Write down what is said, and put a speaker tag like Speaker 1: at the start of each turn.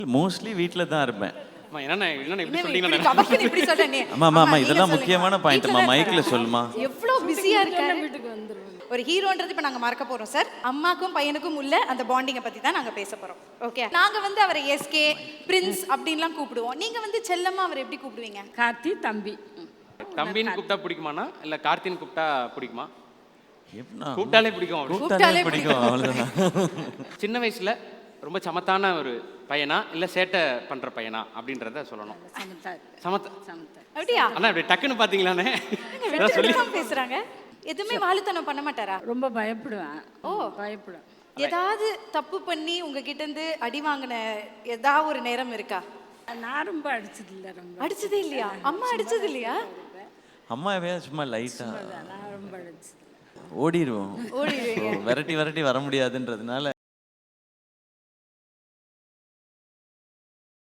Speaker 1: Mostly வீட்ல தான் இருப்பேன்.
Speaker 2: அம்மா என்னண்ணே இப்படி
Speaker 3: இப்படி
Speaker 2: சொல்லிட்டீங்கன்னா
Speaker 3: கபக்குன்னு இப்படி சொல்றேனே.
Speaker 1: அம்மா அம்மா அம்மா
Speaker 3: நீங்க
Speaker 1: இதெல்லாம்
Speaker 3: சொல்லுங்க.
Speaker 1: முக்கியமான பாயிண்ட்மா,
Speaker 3: வீட்ல தான்
Speaker 1: மைக்ல
Speaker 3: இருக்காரா?
Speaker 1: சொல்லுமா.
Speaker 3: எவ்வளவு பிஸியா இருக்காரு. வீட்டுக்கு வந்துருவாங்க. ஒரு ஹீரோன்றது இப்ப நாங்க மறக்க போறோம் சார். அம்மாக்கும் பையனுக்கும் உள்ள அந்த பாண்டிங்கை பத்தி தான் நாங்க பேச போறோம். ஓகே, நாங்க வந்து அவரை எஸ்கே பிரின்ஸ் அப்படின்லாம் கூப்பிடுவோம். நீங்க வந்து செல்லம்மா அவரை எப்படி கூப்பிடுவீங்க?
Speaker 4: கார்த்தி தம்பி.
Speaker 2: தம்பின்னு கூப்பிட்டா பிடிக்குமாண்ணா இல்ல கார்த்தின்னு கூப்பிட்டா பிடிக்குமா?
Speaker 1: எப்படின்னா
Speaker 2: கூப்பிட்டாலே பிடிக்கும் அப்படி.
Speaker 1: கூப்பிட்டாலே பிடிக்கும், அவ்வளவுதான்.
Speaker 2: சின்ன வயசுல ரொம்ப சமத்தான ஒரு பையனா இல்ல சேட்டை பண்ற பையனா அப்படின்றத சொல்லணும். சமத்த
Speaker 3: அப்படியா?
Speaker 2: அண்ணா இப்படி டக்குன்னு பாத்தீங்களாண்ணே
Speaker 3: விட்டு விட்டு தான் பேசுறாங்க. எதுவுமே வாலுத்தனம் பண்ண மாட்டாரா?
Speaker 4: ரொம்ப பயப்படுவேன்.
Speaker 3: ஓ,
Speaker 4: பயப்படுவேன்.
Speaker 3: ஏதாவது தப்பு பண்ணி உங்ககிட்ட இருந்து அடி வாங்கின ஏதாவது ஒரு நேரம் இருக்கா?
Speaker 4: நான் ரொம்ப அடிச்சது இல்லை. ரொம்ப
Speaker 3: அடிச்சதே இல்லையா? அம்மா அடிச்சது இல்லையா?
Speaker 1: அம்மா எப்பயாவது சும்மா லைட்டா
Speaker 4: நான் ரொம்ப அடிச்சது.
Speaker 1: ஓடிடுவோம்.
Speaker 3: ஓடிடுவீங்க.
Speaker 1: விரட்டி விரட்டி வர முடியாதுன்றதுனால